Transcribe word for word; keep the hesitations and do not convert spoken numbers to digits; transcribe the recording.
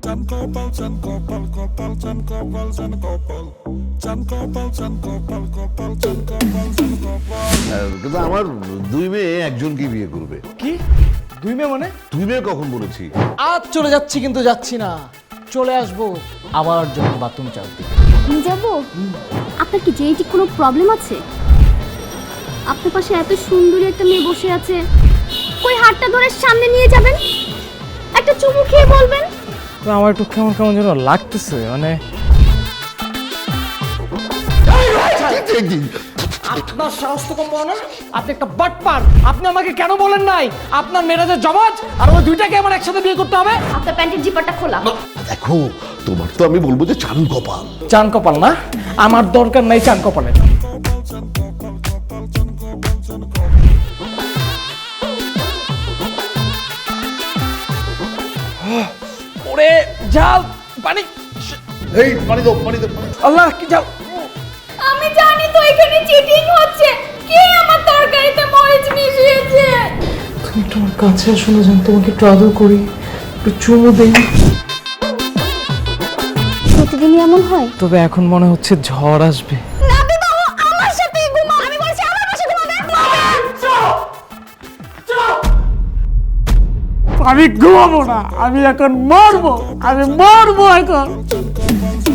চান কপাল চান কপাল কপাল চান কপাল চান কপাল চান কপাল চান কপাল কপাল চান কপাল চান কপাল। কিন্তু আমার দুই মেয়ে একজনকে বিয়ে করবে। কি দুই মেয়ে মানে? দুই মেয়ে কখন বলেছি? আজ চলে যাচ্ছি কিন্তু যাচ্ছি না, চলে আসবো আবার যখন বাথরুম চাপ দিই। আমি যাব? আপনার কি জেনেটিক কোনো প্রবলেম আছে? আপনার পাশে এত সুন্দরী একটা মেয়ে বসে আছে, কই হাতটা ধরে সামনে নিয়ে যাবেন, একটা চুমু খেয়ে বলবেন। তো আমার একটু কেমন কেমন যেন লাগতেছে, মানে আপনার সাহস তো কম না, আপনি একটা বাটপার। আপনি আমাকে কেন বলেন নাই আপনার মেরাজের জমাজ আর ওই দুইটাকে আমার একসাথে বিয়ে করতে হবে? আপনার প্যান্টের জিপারটা খোলা। দেখো তোমার তো আমি বলবো যে চান কপাল। চান কপাল না, আমার দরকার নাই চান কপালের। ওরে জাল পানি, এই পানি দাও পানি দাও। আল্লাহ কি জাল। আমি জানি তো এখানে চিটিং হচ্ছে, কে আমার তরকারিতে মরিচ মিশিয়েছে। তুমি তোমার কাছে শুনে যান, তোমাকে একটু আদর করি, একটু চুমু দেই। প্রতিদিনই এমন হয়? তবে এখন মনে হচ্ছে ঝড় আসবে। না বিবাহ, আমার সাথে ঘুমাও। আমি বলছি আমার পাশে ঘুমাবে। আমি ঘুমাবো না, আমি এখন মরবো, আমি মরবো এখন।